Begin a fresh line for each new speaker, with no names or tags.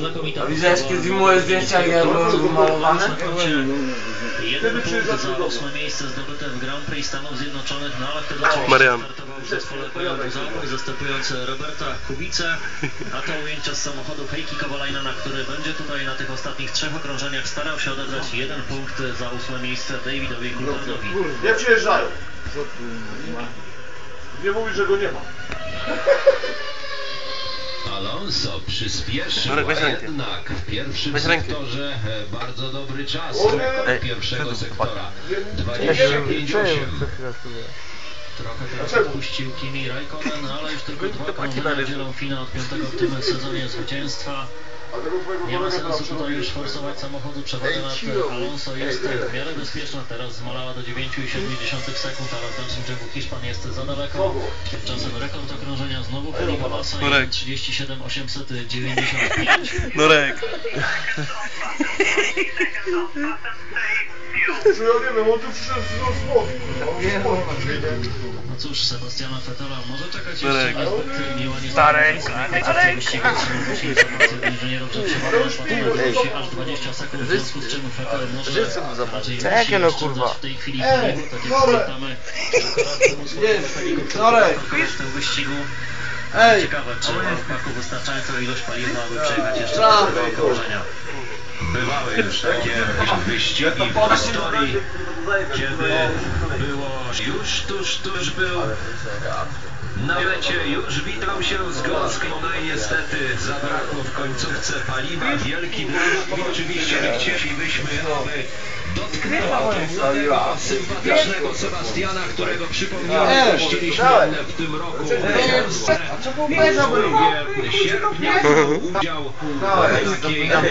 znakomita.
A widziałeś kiedyś moje zdjęcia, jak ja byłem wymalowany?
Jeden punkt za 8. miejsce zdobyte w Grand Prix Stanów Zjednoczonych, no ale wtedy startował w zespole Buzałku, zastępując Roberta Kubicę, a to ujęcia z samochodu Heikki Kovalainena, który będzie tutaj na tych ostatnich 3 okrążeniach starał się odebrać 1 punkt za 8. miejsce Davidowi Coulthardowi.
Nie przyjeżdżają. Nie mówisz, że go nie ma.
Alonso przyspieszył, a jednak w pierwszym sektorze bardzo dobry czas pierwszego sektora. 25,8.
Trochę teraz odpuścił Kimi Raikkonen, ale już tylko 2 okrążenia dzielą finał od 5. w tym sezonie zwycięstwa. Nie ma sensu tutaj już forsować samochodu, przewaga nad Alonso jest w miarę bezpieczna, teraz zmalała do 9,7 sekund, ale w dalszym ciągu Hiszpan jest za daleko. Tymczasem rekord okrążenia znowu Felipe Massa, 37,895.
Norek.
Ja nie wiem, on tu przyszedł z głowy.
No cóż, Sebastiana Vettela może czekać jeszcze niezbyt miła inżynierów, że przewodniczący patelę aż 20 sekund, w związku z czym Vettel może raczej w tej chwili paliwo, tak jak pamiętamy, w tym wyścigu. Ciekawe, czy ma w paku wystarczającą ilość paliwa, aby przejechać jeszcze do okrążenia.
Bywały już takie wyścigi w historii, kiedy było już tuż był na mecie, już witał się z gąską, no i niestety zabrakło w końcówce paliwa. Wielki dramat i oczywiście chcielibyśmy, aby dotknęła tego sympatycznego Sebastiana, którego przypomniałem, gościliśmy w tym roku w Polsce. 2 sierpnia udział w takiej